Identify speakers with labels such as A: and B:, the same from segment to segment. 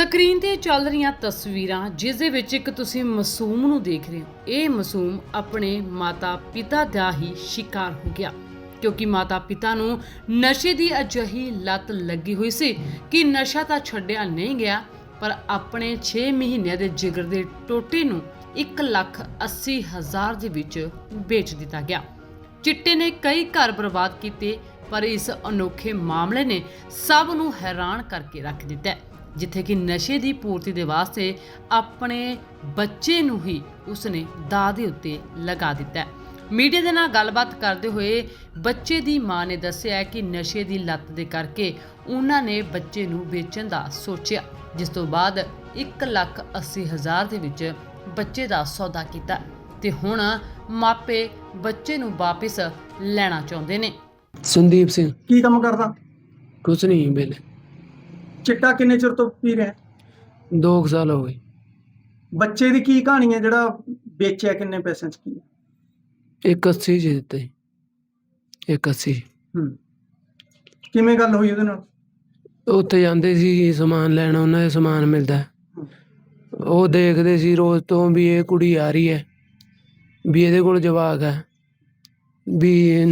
A: Screen ਤੇ ਚੱਲ ਰਹੀਆਂ ਤਸਵੀਰਾਂ ਜਿਸ ਦੇ ਵਿੱਚ ਇੱਕ ਤੁਸੀਂ ਮਾਸੂਮ ਨੂੰ ਦੇਖ ਰਹੇ ਹੋ। ਇਹ ਮਾਸੂਮ ਆਪਣੇ ਮਾਤਾ ਪਿਤਾ ਦਾ ਹੀ ਸ਼ਿਕਾਰ ਹੋ ਗਿਆ ਕਿਉਂਕਿ ਮਾਤਾ ਪਿਤਾ ਨੂੰ ਨਸ਼ੇ ਦੀ ਅਜਿਹੀ ਲੱਤ ਲੱਗੀ ਹੋਈ ਸੀ ਕਿ ਨਸ਼ਾ ਤਾਂ ਛੱਡਿਆ ਨਹੀਂ ਗਿਆ ਪਰ ਆਪਣੇ 6 ਮਹੀਨਿਆਂ ਦੇ ਜਿਗਰ ਦੇ ਟੋਟੇ ਨੂੰ 1,80,000 ਦੇ ਵਿੱਚ ਵੇਚ ਦਿੱਤਾ ਗਿਆ। ਚਿੱਟੇ ਨੇ ਕਈ ਘਰ ਬਰਬਾਦ ਕੀਤੇ ਪਰ ਇਸ ਅਨੋਖੇ ਮਾਮਲੇ ਨੇ ਸਭ ਨੂੰ ਹੈਰਾਨ ਕਰਕੇ ਰੱਖ ਦਿੱਤਾ ਹੈ, ਜਿੱਥੇ ਕਿ ਨਸ਼ੇ ਦੀ ਪੂਰਤੀ ਦੇ ਵਾਸਤੇ ਆਪਣੇ ਬੱਚੇ ਨੂੰ ਹੀ ਉਸਨੇ ਦਾਅ ਦੇ ਉੱਤੇ ਲਗਾ ਦਿੱਤਾ ਹੈ। ਮੀਡੀਆ ਦੇ ਨਾਲ ਗੱਲਬਾਤ ਕਰਦੇ ਹੋਏ ਬੱਚੇ ਦੀ ਮਾਂ ਨੇ ਦੱਸਿਆ ਕਿ ਨਸ਼ੇ ਦੀ ਲੱਤ ਦੇ ਕਰਕੇ ਉਹਨਾਂ ਨੇ ਬੱਚੇ ਨੂੰ ਵੇਚਣ ਦਾ ਸੋਚਿਆ, ਜਿਸ ਤੋਂ ਬਾਅਦ 1,80,000 ਦੇ ਵਿੱਚ ਬੱਚੇ ਦਾ ਸੌਦਾ ਕੀਤਾ ਤੇ ਹੁਣ ਮਾਪੇ ਬੱਚੇ ਨੂੰ ਵਾਪਿਸ ਲੈਣਾ ਚਾਹੁੰਦੇ ਨੇ।
B: ਸੰਦੀਪ ਸਿੰਘ
C: ਕੀ ਕੰਮ ਕਰਦਾ?
B: ਕੁਛ ਨਹੀਂ ਵੇਲੇ
C: ਚਿੱਟਾ ਕਿੰਨੇ ਚਿਰ ਤੋਂ ਪੀ ਰਿਹਾ?
B: 2 ਸਾਲ ਹੋ ਗਏ।
C: ਬੱਚੇ ਦੀ ਕੀ ਕਹਾਣੀ ਹੈ ਜਿਹੜਾ ਵੇਚਿਆ? ਕਿੰਨੇ ਪੈਸਿਆਂ ਚ ਕੀ?
B: 180 ਜੀ ਦਿੱਤੇ 180।
C: ਕਿਵੇਂ ਗੱਲ ਹੋਈ ਉਹਦੇ ਨਾਲ?
B: ਉੱਥੇ ਜਾਂਦੇ ਸੀ ਸਮਾਨ ਲੈਣ, ਉਹਨਾਂ ਦੇ ਸਮਾਨ ਮਿਲਦਾ, ਉਹ ਦੇਖਦੇ ਸੀ ਰੋਜ਼ ਤੋਂ ਵੀ ਇਹ ਕੁੜੀ ਆ ਰਹੀ ਹੈ, ਵੀ ਇਹਦੇ ਕੋਲ ਜਵਾਕ ਹੈ, ਵੀ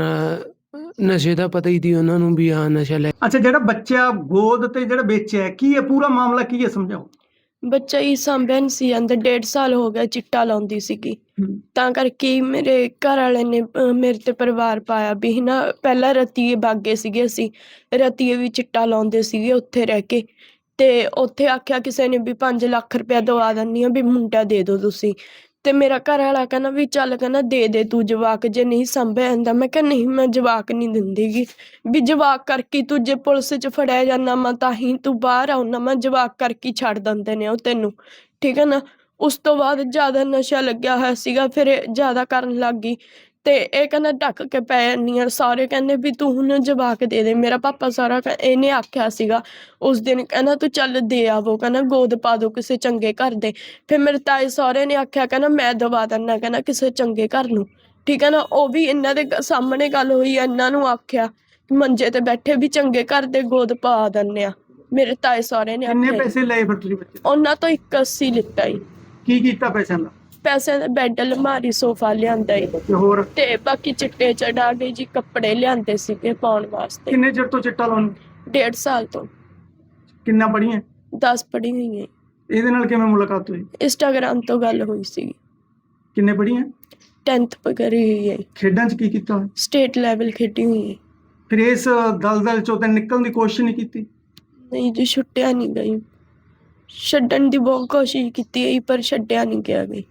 B: ਨਸ਼ੇ ਦਾ ਪਤਾ ਹੀ ਸੀ ਉਹਨਾਂ ਨੂੰ ਵੀ ਹਾਂ ਨਸ਼ਾ ਲੈ।
C: ਅੱਛਾ, ਜਿਹੜਾ ਬੱਚਾ ਗੋਦ ਤੇ ਜਿਹੜਾ ਵੇਚਿਆ ਕੀ ਹੈ, ਪੂਰਾ ਮਾਮਲਾ ਕੀ ਹੈ, ਸਮਝਾਓ।
D: ਬੱਚਾ ਹੀ ਸਾਂਭਿਆ ਨਹੀਂ ਸੀ ਜਾਂਦਾ। 1.5 ਸਾਲ ਹੋ ਗਿਆ ਚਿੱਟਾ ਲਾਉਂਦੀ ਸੀਗੀ, ਤਾਂ ਕਰਕੇ ਮੇਰੇ ਘਰ ਵਾਲੇ ਨੇ ਮੇਰੇ ਤੇ ਪਰਿਵਾਰ ਪਾਇਆ ਵੀ ਨਾ। ਪਹਿਲਾਂ ਰਤੀਏ ਬਾਗੇ ਸੀਗੇ, ਅਸੀਂ ਰਤੀਏ ਵੀ ਚਿੱਟਾ ਲਾਉਂਦੇ ਸੀਗੇ ਉੱਥੇ ਰਹਿ ਕੇ, ਤੇ ਉੱਥੇ ਆਖਿਆ ਕਿਸੇ ਨੇ ਵੀ 5 ਲੱਖ ਰੁਪਇਆ ਦਵਾ ਦਿੰਦੀ ਆ ਵੀ ਮੁੰਡਾ ਦੇ ਦਿਓ ਤੁਸੀਂ। ਤੇ ਮੇਰਾ ਘਰ ਵਾਲਾ ਕਹਿੰਦਾ ਵੀ ਚੱਲ, ਕਹਿੰਦਾ ਦੇ ਤੂੰ ਜਵਾਕ, ਜੇ ਨਹੀਂ ਸਾਂਭਿਆ ਜਾਂਦਾ। ਮੈਂ ਕਿਹਾ ਨਹੀਂ, ਮੈਂ ਜਵਾਕ ਨਹੀਂ ਦਿੰਦੀਗੀ, ਵੀ ਜਵਾਕ ਕਰਕੇ ਤੂੰ ਜੇ ਪੁਲਿਸ 'ਚ ਫੜਿਆ ਜਾਂਦਾ ਮੈਂ ਤਾਂ ਹੀ ਤੂੰ ਬਾਹਰ ਆਉਣਾ, ਮੈਂ ਜਵਾਕ ਕਰਕੇ ਛੱਡ ਦਿੰਦੇ ਨੇ ਉਹ ਤੈਨੂੰ, ਠੀਕ ਹੈ ਨਾ। ਉਸ ਤੋਂ ਬਾਅਦ ਜ਼ਿਆਦਾ ਨਸ਼ਾ ਲੱਗਿਆ ਹੋਇਆ ਸੀਗਾ, ਫਿਰ ਇਹ ਜ਼ਿਆਦਾ ਕਰਨ ਲੱਗ ਗਈ ਤੇ ਇਹ ਕਹਿੰਦਾ ਢੱਕ ਕੇ ਪੈ ਜਾਂਦੀ ਆ। ਸਾਰੇ ਕਹਿੰਦੇ ਵੀ ਤੂੰ ਹੁਣ ਜਵਾਕ ਦੇ ਦੇ। ਮੇਰਾ ਪਾਪਾ ਸਾਰਾ ਇਹਨੇ ਆਖਿਆ ਸੀਗਾ ਉਸ ਦਿਨ, ਕਹਿੰਦਾ ਤੂੰ ਚੱਲ ਦੇ ਆਵੋ, ਕਹਿੰਦਾ ਗੋਦ ਪਾ ਦੋ ਕਿਸੇ ਚੰਗੇ ਘਰ ਦੇ। ਫਿਰ ਮੇਰੇ ਤਾਏ ਸਹੁਰੇ ਨੇ ਆਖਿਆ, ਕਹਿੰਦਾ ਮੈਂ ਦਵਾ ਦਿੰਦਾ, ਕਹਿੰਦਾ ਕਿਸੇ ਚੰਗੇ ਘਰ ਨੂੰ, ਠੀਕ ਹੈ ਨਾ। ਉਹ ਵੀ ਇਹਨਾਂ ਦੇ ਸਾਹਮਣੇ ਗੱਲ ਹੋਈ, ਇਹਨਾਂ ਨੂੰ ਆਖਿਆ ਮੰਜੇ ਤੇ ਬੈਠੇ ਵੀ ਚੰਗੇ ਘਰ ਦੇ ਗੋਦ ਪਾ ਦਿੰਦੇ ਆ। ਮੇਰੇ ਤਾਏ ਸਹੁਰੇ ਨੇ
C: ਕਿੰਨੇ
D: ਆਖਿਆ।
C: ਪੈਸੇ ਲਏ ਫਿਰ ਤੁਸੀਂ ਬੱਚੇ?
D: ਉਹਨਾਂ ਤੋਂ 180 ਲਿੱਤਾ ਹੀ।
C: ਕੀ ਕੀਤਾ ਪੈਸਿਆਂ ਦਾ?
D: ਪੈਸੇ ਦਾ ਬੈੱਡ, ਅਲਮਾਰੀ, ਸੋਫਾ ਲਿਆਂਦਾ ਈ
C: ਤੇ ਹੋਰ
D: ਤੇ ਬਾਕੀ ਚਿੱਟੇ ਚੜਾ ਕੇ ਜੀ ਕੱਪੜੇ ਲਿਆਂਦੇ ਸੀਗੇ ਪਾਉਣ ਵਾਸਤੇ।
C: ਕਿੰਨੇ ਚਿਰ ਤੋਂ ਚਿੱਟਾ ਲਾਉਣ?
D: 1.5 ਸਾਲ ਤੋਂ।
C: ਕਿੰਨਾ ਪੜ੍ਹੀਆਂ?
D: 10 ਪੜ੍ਹੀ ਹੋਈ ਹੈ।
C: ਇਹਦੇ ਨਾਲ ਕਿਵੇਂ ਮੁਲਾਕਾਤ ਹੋਈ?
D: ਇੰਸਟਾਗ੍ਰਾਮ ਤੋਂ ਗੱਲ ਹੋਈ ਸੀ।
C: ਕਿੰਨੇ ਪੜ੍ਹੀਆਂ?
D: 10th ਕਰੀ ਹੋਈ ਹੈ।
C: ਖੇਡਾਂ 'ਚ ਕੀ ਕੀਤਾ?
D: ਸਟੇਟ ਲੈਵਲ ਖੇਡੀ ਹੋਈ ਹੈ।
C: ਫਿਰ ਇਸ ਦਲਦਲ 'ਚੋਂ ਤਾਂ ਨਿਕਲਣ ਦੀ ਕੋਸ਼ਿਸ਼ ਨਹੀਂ ਕੀਤੀ?
D: ਨਹੀਂ ਜੀ, ਛੁੱਟਿਆ ਨਹੀਂ ਗਈ। ਛੱਡਣ ਦੀ ਬਹੁਤ ਕੋਸ਼ਿਸ਼ ਕੀਤੀ ਹੈ ਪਰ ਛੱਡਿਆ ਨਹੀਂ ਗਿਆ ਗਈ।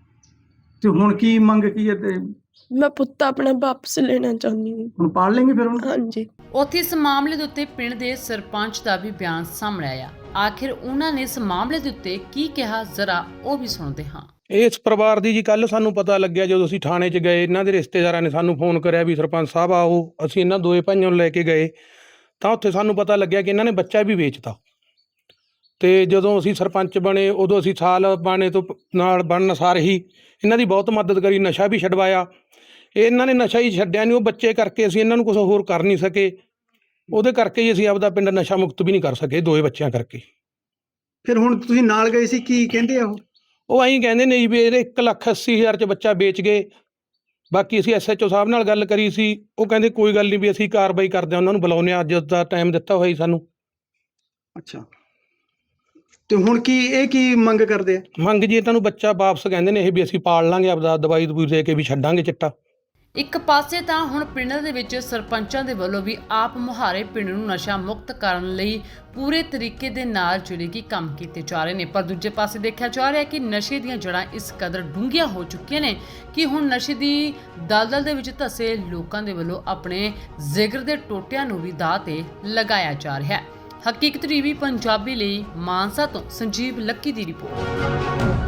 C: ਤੇ ਹੁਣ ਕੀ ਮੰਗ ਕੀ ਹੈ? ਤੇ
D: ਮੈਂ ਪੁੱਤ ਆਪਣਾ ਵਾਪਸ ਲੈਣਾ ਚਾਹੁੰਦੀ ਹਾਂ।
C: ਹੁਣ ਪਾਲ ਲੈਂਗੇ ਫਿਰ ਹੁਣ?
D: ਹਾਂਜੀ।
A: ਉੱਥੇ ਇਸ ਮਾਮਲੇ ਦੇ ਉੱਤੇ ਪਿੰਡ ਦੇ ਸਰਪੰਚ ਦਾ ਵੀ ਬਿਆਨ ਸਾਹਮਣੇ ਆਇਆ। ਆਖਿਰ ਉਹਨਾਂ ਨੇ ਇਸ ਮਾਮਲੇ ਦੇ ਉੱਤੇ ਕੀ ਕਿਹਾ, ਜ਼ਰਾ ਉਹ ਵੀ ਸੁਣਦੇ ਹਾਂ।
E: ਇਸ ਪਰਿਵਾਰ ਦੀ ਜੀ ਕੱਲ ਸਾਨੂੰ ਪਤਾ ਲੱਗਿਆ ਜਦੋਂ ਅਸੀਂ ਥਾਣੇ 'ਚ ਗਏ, ਇਹਨਾਂ ਦੇ ਰਿਸ਼ਤੇਦਾਰਾਂ ਨੇ ਸਾਨੂੰ ਫੋਨ ਕਰਿਆ ਵੀ ਸਰਪੰਚ ਸਾਹਿਬ ਆਓ। ਅਸੀਂ ਇਹਨਾਂ ਦੋਏ ਭਾਈਆਂ ਨੂੰ ਲੈ ਕੇ ਗਏ ਤਾਂ ਉੱਥੇ ਸਾਨੂੰ ਪਤਾ ਲੱਗਿਆ ਕਿ ਇਹਨਾਂ ਨੇ ਬੱਚਾ ਵੀ ਵੇਚਤਾ। ਤੇ ਜਦੋਂ ਅਸੀਂ ਸਰਪੰਚ ਬਣੇ ਉਦੋਂ ਅਸੀਂ ਸਾਲ ਬਾਣੇ ਤੋਂ ਨਾਲ ਬਣਨ ਸਾਰ ਹੀ ਇਹਨਾਂ ਦੀ ਬਹੁਤ ਮਦਦ ਕਰੀ, ਨਸ਼ਾ ਵੀ ਛਡਵਾਇਆ। ਇਹਨਾਂ ਨੇ ਨਸ਼ਾ ਹੀ ਛੱਡਿਆ ਨਹੀਂ, ਉਹ ਬੱਚੇ ਕਰਕੇ ਅਸੀਂ ਇਹਨਾਂ ਨੂੰ ਕੁਛ ਹੋਰ ਕਰ ਨਹੀਂ ਸਕੇ। ਉਹਦੇ ਕਰਕੇ ਹੀ ਅਸੀਂ ਆਪਦਾ ਪਿੰਡ ਨਸ਼ਾ ਮੁਕਤ ਵੀ ਨਹੀਂ ਕਰ ਸਕੇ, ਦੋਏ ਬੱਚਿਆਂ ਕਰਕੇ।
C: ਫਿਰ ਹੁਣ ਤੁਸੀਂ ਨਾਲ ਗਏ ਸੀ, ਕੀ ਕਹਿੰਦੇ ਆ
E: ਉਹ ਐਂ ਕਹਿੰਦੇ ਨੇ ਜੀ ਵੀ ਇਹਦੇ 1,80,000 'ਚ ਬੱਚਾ ਵੇਚ ਗਏ। ਬਾਕੀ ਅਸੀਂ SHO ਸਾਹਿਬ ਨਾਲ ਗੱਲ ਕਰੀ ਸੀ, ਉਹ ਕਹਿੰਦੇ ਕੋਈ ਗੱਲ ਨਹੀਂ ਵੀ ਅਸੀਂ ਕਾਰਵਾਈ ਕਰਦੇ ਹਾਂ, ਉਹਨਾਂ ਨੂੰ ਬੁਲਾਉਂਦੇ ਹਾਂ, ਅੱਜ ਦਾ ਟਾਈਮ ਦਿੱਤਾ ਹੋਇਆ ਜੀ ਸਾਨੂੰ।
C: ਅੱਛਾ, ਤੇ ਹੁਣ ਕੀ ਮੰਗ ਕਰਦੇ ਆ?
E: ਮੰਗ ਜੀ ਇਹਨਾਂ ਨੂੰ ਬੱਚਾ ਵਾਪਸ ਕਹਿੰਦੇ ਨੇ ਇਹ ਵੀ ਅਸੀਂ ਪਾਲ ਲਾਂਗੇ, ਆਪਦਾ ਦਵਾਈ ਦਵੂਈ ਦੇ ਕੇ ਵੀ ਛੱਡਾਂਗੇ ਚਿੱਟਾ।
A: ਇੱਕ ਪਾਸੇ ਤਾਂ ਹੁਣ ਪਿੰਡ ਦੇ ਵਿੱਚ ਸਰਪੰਚਾਂ ਦੇ ਵੱਲੋਂ ਵੀ ਆਪ ਮੁਹਾਰੇ ਪਿੰਡ ਨੂੰ ਨਸ਼ਾ ਮੁਕਤ ਕਰਨ ਲਈ ਪੂਰੇ ਤਰੀਕੇ ਦੇ ਨਾਲ ਜਿਹੜੇ ਕਿ ਕੰਮ ਕੀਤੇ ਜਾ ਰਹੇ ਨੇ, ਪਰ ਦੂਜੇ ਪਾਸੇ ਦੇਖਿਆ ਜਾ ਰਿਹਾ ਕਿ ਨਸ਼ੇ ਦੀਆਂ ਜੜ੍ਹਾਂ ਇਸ ਕਦਰ ਡੂੰਘੀਆਂ ਹੋ ਚੁੱਕੀਆਂ ਨੇ ਕਿ ਹੁਣ ਨਸ਼ੇ ਦੀ ਦਲਦਲ ਦੇ ਵਿੱਚ ਧਸੇ ਲੋਕਾਂ ਦੇ ਵੱਲੋਂ ਆਪਣੇ ਜ਼ਿਗਰ ਦੇ ਟੋਟਿਆਂ ਨੂੰ ਵੀ ਦਾਅ ਤੇ ਲਗਾਇਆ ਜਾ ਰਿਹਾ ਹੈ। ਹਕੀਕਤ ਟੀਵੀ ਪੰਜਾਬੀ ਲਈ ਮਾਨਸਾ ਤੋਂ ਸੰਜੀਵ ਲੱਕੀ ਦੀ ਰਿਪੋਰਟ।